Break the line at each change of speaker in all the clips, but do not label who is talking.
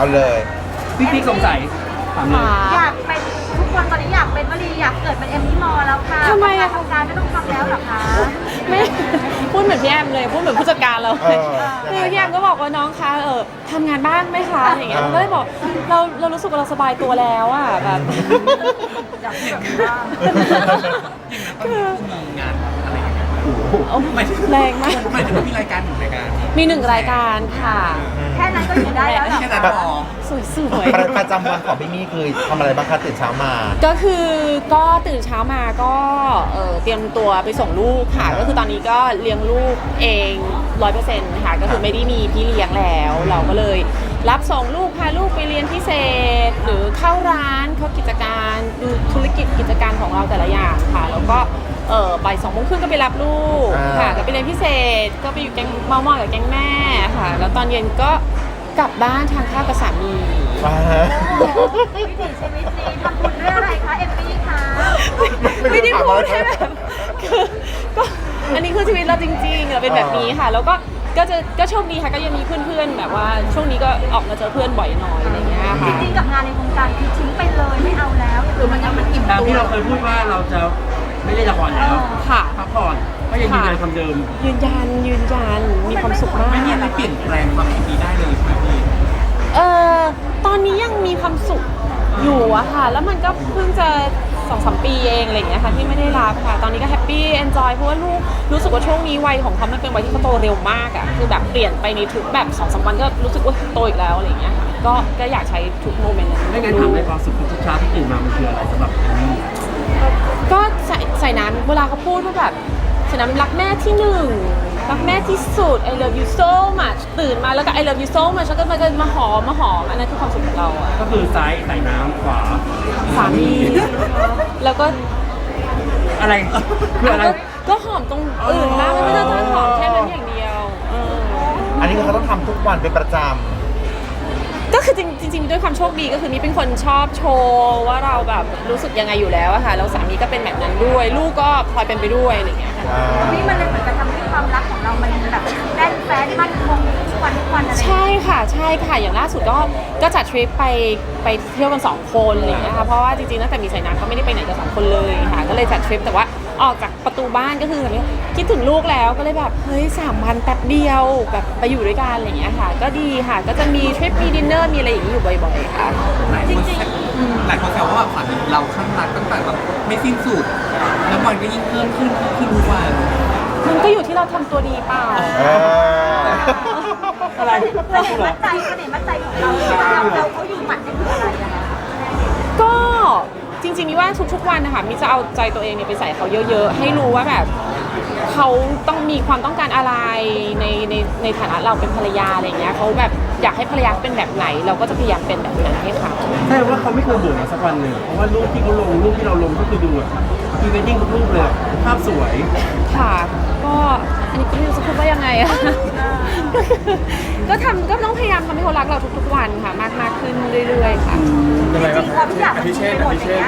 เอาเลย
พี่สงสัยถามเลย
อยากเป็นทุกคนตอนนี้อยากเป็นวลีอยากเกิดเป็นเอมมี่มอแล้วค่ะ
ทำไมอะ
ทำการไม่ต้องทำแล้วหรอคะ
ไม่พูดเหมือนพี่แอมเลยพูดเหมือนผู้จัดการเรา
เออ
คือพี่แอมก็บอกว่าน้องคะทำงานบ้านไหมคะอย่างเงี้ยเราก็เลยบอกเรารู้สึกว่าเราสบายตัวแล้วอ่ะแบบ
อยากเกิดบ้าง
คือ
มีงานอะไรอย่างเงี้ย
แรงมาก
หมายถึงว่ามีรายการหนึ่งรายการ
มี1 รายการค่ะ
แค่นั้นก็อยู่ได้แล้วเหรอ
แค่นั้น
คะ
พอ
สวยๆ
ประจำวันของพี่มี่คือทำอะไรบ้างคะตื่นเช้ามา
ก็คือก็ตื่นเช้ามาก็เตรียมตัวไปส่งลูกค่ะ ก็คือตอนนี้ก็เลี้ยงลูกเอง 100%ค่ะก็คือไม่ได้มีพี่เลี้ยงแล้ว เราก็เลยรับส่งลูกพาลูกไปเรียนพิเศษ หรือเข้าร้านเข้ากิจการดูธุรกิจกิจการของเราแต่ละอย่างค่ะแล้วก็บ่าย2 โมงครึ่งก็ไปรับลูกค่ะก็ไปเรียนพิเศษก็ไปอยู่แก๊งเมอกับแก๊งแม่ค่ะแล้วตอนเย็นก็กลับบ้านทานข้าวกับสามี
วิถีชีวิตนี้ทำบุญด้วยอะไรคะเอมมี่คะ
ไม่ได้พูดให้แบบคือก็อันนี้คือชีวิตเราจริงๆเราเป็นแบบนี้ค่ะ แล้วก็โชคดีค่ะก็ยังมีเพื่อนๆแบบว่าช่วงนี้ก็ออกมาเจอเพื่อนบ่อยหน่อยอะไรเงี้ย
จ
ค่ะ
ริงๆกับงานในวงการคือทิ้งไปเลยไม่เอาแล้วคือมันอิ่ม
ตาม
ตัว
ที่เราเคยพูดว่าเราจะไม่เล่นละครแล้ว
ค่ะ
พักผ่อนก็ยังยืนยันคำเดิม
ยืนยันมีความสุขมาก
ไม่มีอะไรเปลี่ยนแปลงความคิดนี้ได้เลยใช่ไหมพี่
ตอนนี้ยังมีความสุขอยู่อะค่ะ แล้วมันก็เพิ่งจะ2-3 ปีเองอะไรอย่างเงี้ยค่ะที่ไม่ได้รับค่ะ ตอนนี้ก็แฮปปี้เอนจอยเพราะว่าลูกรู้สึกว่าช่วงนี้วัยของเขามันเป็นวัยที่เขาโตเร็วมากอะคือแบบเปลี่ยนไปในทุกแบบ2-3 วันก็รู้สึกว่าโตอีกแล้วอะไรอย่างเงี้ยค่ะก็อยากใช้ทุกโมเมนต์นั้น
ไม่งั้นถามในความสุขทุกเช้าที่ตื่นมามันคืออะไรสำหรับเอมมี่
ก็ใส่น้ำเวลาเขาพูดว่าแบบใส่น้ำรักแม่ที่หนึ่งรักแม่ที่สุด I love you so much ตื่นมาแล้วก็ I love you so much แล้วก็มาหอมอันนั้นคือความสุขของเราอะ
ก็คือซ้ายใส่น้ำขวา
สามีแล้วก็
อะไรคืออะไร
ก็หอมตรงอื่นบ้างไม่ได้ต้องหอมแค่นั้นอย่างเดียว
อันนี้คือเขาต้องทำทุกวันเป็นประจำ
ก็คือจริงๆด้วยความโชคดีก็คือนี่เป็นคนชอบโชว์ว่าเราแบบรู้สึกยังไงอยู่แล้วอะค่ะแล้วสามีก็เป็นแบบนั้นด้วยลูกก็พลอยเป็นไปด้วยอะไรอย่างเงี้ยค่ะ
นี่มันเลยเหมือนกับทำให้ความรักของเรามันแบบแน่นแฟ้นมั่นคงทุกวันอะไร
ใช่ค่ะอย่างล่าสุดก็จัดทริปไปเที่ยวกัน2 คนอะไรอย่างเงี้ยค่ะเพราะว่าจริงๆตั้งแต่มีสายน้ำก็ไม่ได้ไปไหนกับ2 คนเลยค่ะก็เลยจัดทริปแต่ว่าออกจากประตูบ้านก็คือแบบคิดถึงลูกแล้วก็เลยแบบเฮ้ย3 วันแป๊บเดียวแบบไปอยู่ด้วยกันอะไรอย่างเงี้ยค่ะก็ดีค่ะก็จะมีทริปมีดินเนอร์มีอะไรอย่างนี้อยู่บ่อยๆค่ะจริงๆ
หลายคนแซวว่าแบบฝันเราข้างรักตั้งแต่แบบไม่สิ้นสุดแล้วมันก็ยิ่งเพิ่มขึ้นทุกวัน
มันก็อยู่ที่เราทำตัวดีเปล่า
อะไร
เสน่ห์มั่นใจของเราเขาอยู่หมัดนี่คืออะไรอะคะ
ก็จริงๆมีว่าทุกๆวันนะคะมิจะเอาใจตัวเองเนี่ยไปใส่เขาเยอะๆให้รู้ว่าแบบเขาต้องมีความต้องการอะไรในฐานะเราเป็นภรรยาอะไรอย่างเงี้ยเขาแบบอยากให้ภรรยาเป็นแบบไหน เราก็จะพยายามเป็นแบบนั้นให้เขา
ใช่ว่าเขาไม่เคยเบื่อมาสักวันหนึ่งเพราะว่ารูปที่เขาลงรูปที่เราลงก็คือดูแบบพรีเวดดิ้งทุกรูปเลยภาพสวย
ค่ะก็อันนี้ก็ไม่รู้จะพูดว่ายังไงอะ ก็ต้องพยายามทำให้เขารักเราทุกๆวันค่ะมากขึ้นเรื่อยๆค่ะ
จริงๆพอทุกอย่างมันดีไปหมดอย่างเงี้ย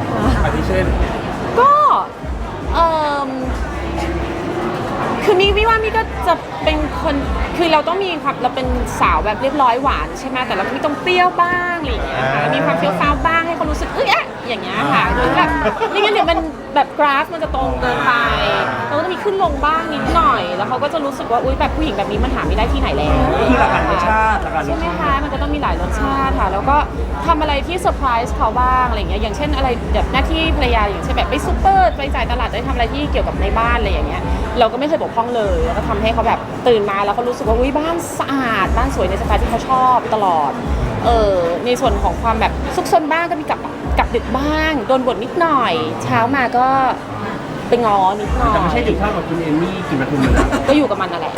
ก็คือมิว่ามิก็จะเป็นคนคือเราต้องมีความเราเป็นสาวแบบเรียบร้อยหวานใช่ไหมแต่เราก็มีต้องเปรี้ยวบ้างอะไรอย่างเงี้ยค่ะมีความเฟี้ยวฟ้าวบ้างให้เขารู้สึกอย่างเงี้ยค่ะโดยแบบไม่งั้นเดี๋ยวมันแบบกราฟมันจะตรงเกินไปเราก็จะมีขึ้นลงบ้างนิดหน่อยแล้วเขาก็จะรู้สึกว่าอุ๊ยแบบผู้หญิงแบบนี้มันหาไม่ได้ที่ไหนแล้ว
ก็คือหลักการรสชาติหลักการร
ใช่
ส
ไหม
ชา
คะ
ติ
มันก็ต้องมีหลายรสชาติค่ะแล้วก็ทำอะไรที่เซอร์ไพรส์เขาบ้างอะไรอย่างเงี้ยอย่างเช่นอะไรแบบหน้าที่ภรรยาอย่างเช่นแบบไปซูเปอร์ไปจ่ายตลาดได้ทำอะไรที่เกี่ยวกับในบ้านอะไรอย่างเงี้ยเราก็ไม่เคยบกพร่องเลยแล้วก็ทำให้เขาแบบตื่นมาแล้วเขารู้สึกว่าอุ๊ยบ้านสะอาดบ้านสวยในสไตล์ที่เขาชอบตลอดในส่วนของความแบบซุกซนบ้างก็มีกลับดึกบ้างโดนบ่นนิดหน่อยเช้ามาก็ไปง้อนิดหน่อย
แต่ไม่ใช่ถึงเท่ากับคุณเอมมี่กินมาทุนมันนะ
ก็อยู่กับมันนั่นแหละ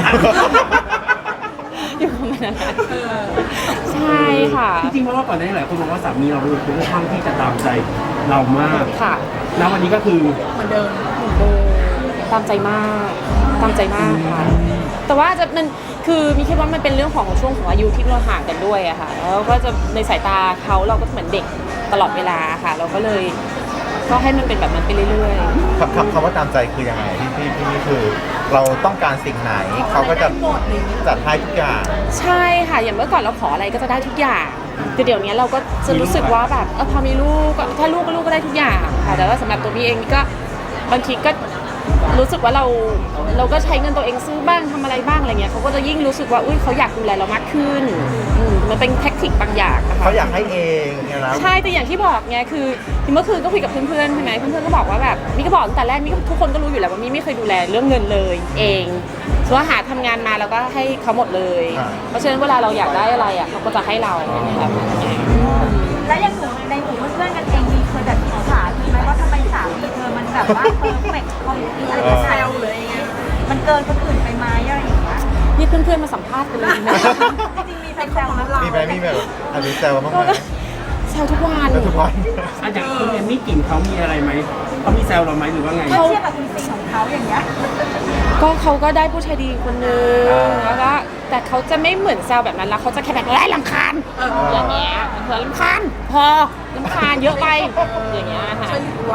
อยู่กับมันนั่นแหละใช่ค่ะ
จริงๆเพราะว่าก่อนหน้านี้หลายคนบอกว่าสามีเราเป็นคนค่อนข้างที่จะตามใจเรามาก
ค่ะ
แล้ววันนี้ก็คือ
เหมือนเดิมตามใจมากค่ะแต่ว่ามันคือมีคิดว่ามันเป็นเรื่องของช่วงของอายุที่เราห่างกันด้วยอะค่ะแล้วก็จะในสายตาเขาเราก็เหมือนเด็กตลอดเวลาค่ะเราก็เลยก็ให้มันเป็นแบบนั้นไปเรื่อยๆ
คำว่าตามใจคือยังไงพี่นี่คือ เราต้องการสิ่งไหนเขาก็จะจัดให้ทุกอย่าง
ใช่ค่ะอย่างเมื่อก่อนเราขออะไรก็จะได้ทุกอย่างแต่เดี๋ยวนี้เราก็จะรู้สึกว่าแบบพอมีลูกก็ถ้าลูกก็ได้ทุกอย่างค่ะแต่ว่าสำหรับตัวพี่เองนี่ก็บางทีก็รู้สึกว่าเราก็ใช้เงินตัวเองซื้อบ้างทำอะไรบ้างอะไรเงี้ยเขาก็จะยิ่งรู้สึกว่าอุ้ยเขาอยากดูแลเรามากขึ้นมันเป็นแท็กติกบางอย่างนะคะ
เขาอยากให้เองเนี่ยนะ
ใช่แต่อย่างที่บอกไงคือเมื่อคืนก็คุยกับเพื่อนๆใช่ไหมเพื่อนๆก็บอกว่าแบบมี่ก็บอกตั้งแต่แรกมี่ก็ทุกคนก็รู้อยู่แล้วว่ามี่ไม่เคยดูแลเรื่องเงินเลยเองส่วนหาทำงานมาแล้วก็ให้เขาหมดเลย เพราะฉะนั้นเวลาเราอยากได้อะไรเขาก็จะให้เราแบบ
แล้วยังหนูในหมู่เพื่อนๆกันเองมีเคยแบบอิจฉาพี่ไหมว่าทำไมสามีเธอมันแบบว่าเพอร์เฟกต์คอมพลีทอะไรแซวเลยไงมันเกินคนอื่นไปไหมอะไรอย่างเงี้ย
นี่เพื่อนๆมาสัมภาษณ์กันเลยนะ
จริงๆมีแซวๆนะเรา
มีไหมมีแบบอันนี้แซวบ้างไหม
แซวทุกวัน
แล้วทุกวัน
อ่ะอย่างคุณเอมมี่กลิ่นเขามีอะไรไหมเขามีแซวเราไหมหรือว่าไง
เมื่อเทียบกับคุณซีของเขาอย่างเงี้ย
ก็เขาก็ได้ผู้ชายดีคนนึงแล้วก็แต่เขาจะไม่เหมือนแซวแบบนั้นแล้วเขาจะแค่แบบรำคาญอย่างเงี้ยรำคาญพอรำคาญเยอะไปอย่างเงี้ยค่ะ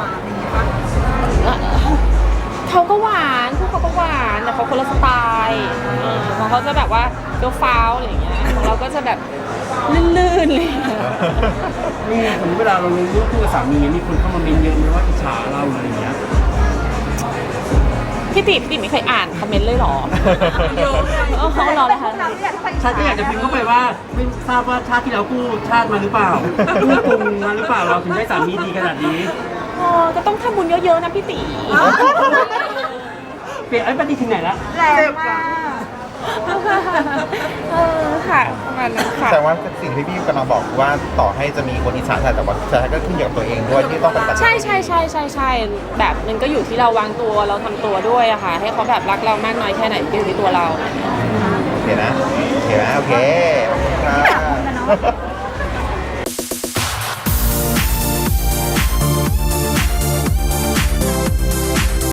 เขาก็หวานพวกเขาก็หวานแต่เขาคนละสไตล์ของเขาจะแบบว่าเดี๋ยวฟ้าวอะไรอย่างเงี้ยของเราก็จะแบบลื่นๆเลย
นี่สมมติเวลาเราลงรูปคู่กับสามีมีคนเข้ามาเมนเยอะไหมว่าอิจฉาเราอะไรอย่างเงี้ย
พี่ติไม่เคยอ่านคอมเมนต์เลยเหรอ
เยอะเลย
เขารอเลยค่ะ
เราเนี่ยทุกคน
ฉันก็อยากจะพิมพ์เข้าไปว่าไม่ทราบว่าชาติที่เรากู้ชาติมาหรือเปล่ากู้กรุงมาหรือเปล่าเราถึงได้สามีดีขนาดนี้
ก็ต้องทำบุญเยอะๆนะพี่ติ
เปลี่ยนไอ้ปฏิทินไหนละ
แรงมาก
ค่ะประมาณนั้นค่ะ
แต่ว่าสิ่งที่พี่กำลังบอกว่าต่อให้จะมีคนอิจฉาแต่ว่าสุดท้ายก็ขึ้นอยู่กับตัวเองด้วยที่ต้องปฏิบัติ
ใช่แบบมันก็อยู่ที่เราวางตัวเราทำตัวด้วยอะค่ะ ให้เขาแบบรักเรามากน้อยแค่ไหนก็อยู่ที่ตัวเรา
โอเคนะโอเคนะโอเคขอบคุณครับ